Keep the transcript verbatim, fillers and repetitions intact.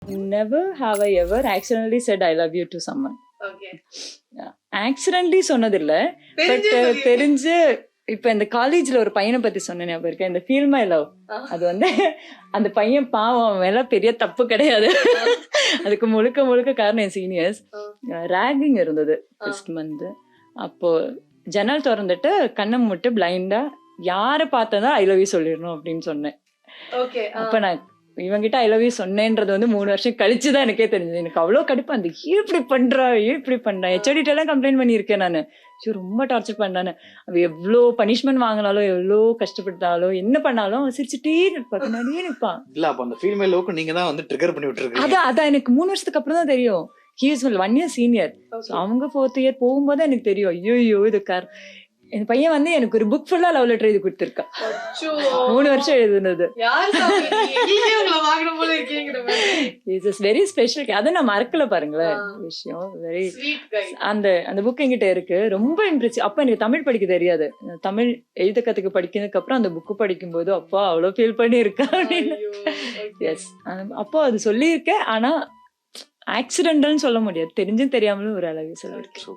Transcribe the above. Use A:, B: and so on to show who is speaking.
A: never have I ever accidentally said I love you to someone.
B: Okay.
A: Accidentally சொன்னதில்ல, but தெரிஞ்சு இப்ப இந்த காலேஜ்ல ஒரு பையனை பத்தி சொன்ன ஞாபகம் இருக்கு, இந்த ஃபீல் மை லவ். அது வந்து அந்த பையன் பாவம், அவன் மேல பெரிய தப்பு கிடையாது, அதுக்கு முழுக்க முழுக்க காரணம் என் சீனியர்ஸ். ரேகிங் இருந்தது ஃபர்ஸ்ட் மந்த். அப்போ ஜன்னல் திறந்துட்டு கண்ணை மூட்டு பிளைண்டா யாரை பார்த்ததா ஐ லவ் யூ சொல்லிடணும் அப்படின்னு சொன்னேன். அப்ப நான் இவங்கிட்ட ஐ லவ் யூ சொன்னேன்றது வந்து மூணு வருஷம் கழிச்சுதான் எனக்கே தெரிஞ்சது. எனக்கு அவ்வளவு கடுப்பா அந்த ஏன் இப்படி பண்றா ஏன் இப்படி பண்றா, ஹெச்ஓடிட்ட எல்லாம் கம்ப்ளைண்ட் பண்ணியிருக்கேன் நானு. ஐயோ ரொம்ப டார்ச்சர் பண்ணானு, அவ எவ்வளோ பனிஷ்மெண்ட் வாங்கினாலும் எவ்வளோ கஷ்டப்பட்டாலும் என்ன பண்ணாலும் சிரிச்சுட்டே நிற்பா, பின்னாடியே நிற்பான்.
C: இல்ல அப்ப அந்த ஃபீல் மை லவ்க்கு நீங்க தான் வந்து ட்ரிகர் பண்ணி விட்டுருக்கீங்க.
A: அதான் அதான் எனக்கு மூணு வருஷத்துக்கு அப்புறம் தான் தெரியும். He is one year senior. அவங்க ஃபோர்த் இயர் போகும்போது எனக்கு தெரியும், ஐயோ ஐயோ இது கார். என் பையன் வந்து எனக்கு ஒரு புக் ஃபுல்லா லவ் லெட்டர் எழுதி கொடுத்துருக்கான், மூணு வருஷம் எழுதுனது. வெரி ஸ்பெஷல், அதை நான் மறக்கல பாருங்களேன் விஷயம். வெரி அந்த அந்த புக் என்கிட்ட இருக்கு, ரொம்ப இம்ப்ரெசிவ். அப்ப எனக்கு தமிழ் படிக்க தெரியாது, தமிழ் எழுத கத்துக்கு படிக்கிறதுக்கு அப்புறம் அந்த புக்கு படிக்கும் போது அப்பா அவ்வளவு ஃபீல் பண்ணி இருக்கா அப்படின்னு. எஸ், அப்போ அது சொல்லியிருக்கேன், ஆனா ஆக்சிடென்டல்னு சொல்ல முடியாது, தெரிஞ்சும் தெரியாமலும் ஒரு அளவு சொல்லியிருக்கேன்.